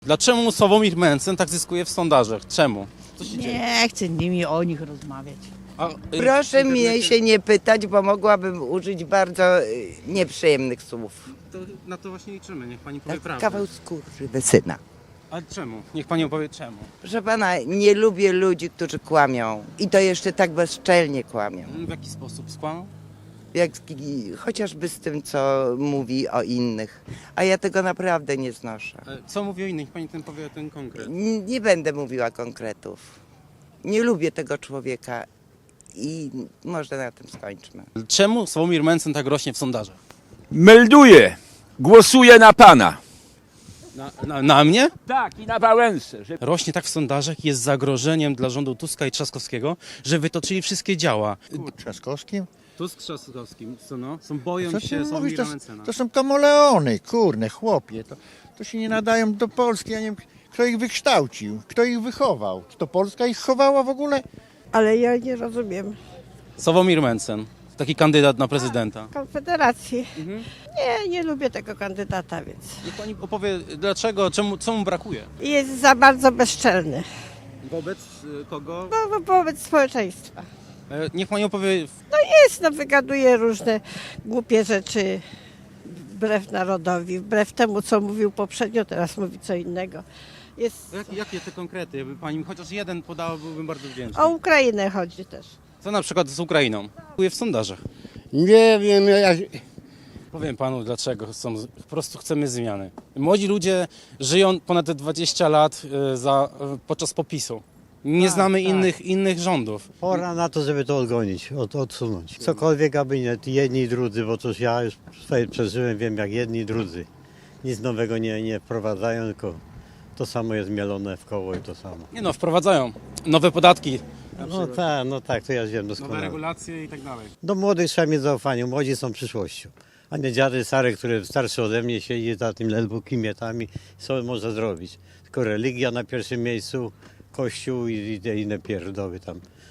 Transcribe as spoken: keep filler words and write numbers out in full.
Dlaczego Sławomir Mencen tak zyskuje w sondażach? Czemu? Co się dzieje? Nie chcę nimi o nich rozmawiać. A, y, Proszę w mnie internecie- się nie pytać, bo mogłabym użyć bardzo y, nieprzyjemnych słów. To na to właśnie liczymy, niech pani powie Tak, prawdę. kawał skóry syna. A czemu? Niech pani opowie czemu. Proszę pana, nie lubię ludzi, którzy kłamią. I to jeszcze tak bezczelnie kłamią. W jaki sposób skłamał? Jak, i- chociażby z tym, co mówi o innych. A ja tego naprawdę nie znoszę. E, Co mówi o innych? Niech pani ten powie ten konkret. N- Nie będę mówiła konkretów. Nie lubię tego człowieka i może na tym skończmy. Czemu Sławomir Mencen tak rośnie w sondażach? Melduję, głosuję na pana. Na, na, na mnie? Tak, i na Wałęsę. Że... Rośnie tak w sondażach, jest zagrożeniem dla rządu Tuska i Trzaskowskiego, że wytoczyli wszystkie działa. Trzaskowskim? Tusk z Trzaskowskim, co no? Są, boją Co ty się mówisz? Sławomira To, Mencena. to są kamoleony, kurne, chłopie. To, to się nie nadają do Polski. Ja nie wiem, kto ich wykształcił, kto ich wychował. Czy to Polska ich chowała w ogóle? Ale ja nie rozumiem Sławomir Mencen, taki kandydat na prezydenta. Konfederacji. Mhm. Nie, nie lubię tego kandydata, więc Niech pani opowie dlaczego, czemu, co mu brakuje? jest za bardzo bezczelny Wobec y, kogo? no, wo- wobec społeczeństwa. E, Niech pani opowie, Jest, no, wygaduje różne głupie rzeczy wbrew narodowi, wbrew temu, co mówił poprzednio, teraz mówi co innego. Jest, jak, jakie te konkrety? Jakby pani chociaż jeden podała, byłbym bardzo wdzięczny. o Ukrainę chodzi też. Co na przykład z Ukrainą? Brakuje w sondażach. Nie wiem, ja, Powiem panu dlaczego. Są, po prostu chcemy zmiany. Młodzi ludzie żyją ponad dwadzieścia lat y, za, y, podczas popisu. Nie Tak, znamy tak. innych, innych rządów. pora na to, żeby to odgonić, od, odsunąć. Cokolwiek, aby nie, jedni i drudzy, bo cóż ja już swoje przeżyłem, wiem jak jedni i drudzy. Nic nowego nie, nie wprowadzają, tylko to samo jest mielone w koło i to samo. Nie no, wprowadzają nowe podatki, No tak, no tak, to ja wiem nowe doskonale. regulacje i tak dalej. Do młodych trzeba mieć zaufanie, młodzi są przyszłością. A nie dziady stare, które starsze ode mnie siedzi za tym ledwo kimietami, co może zrobić. Tylko religia na pierwszym miejscu, kościół i, i te inne pierdoły tam.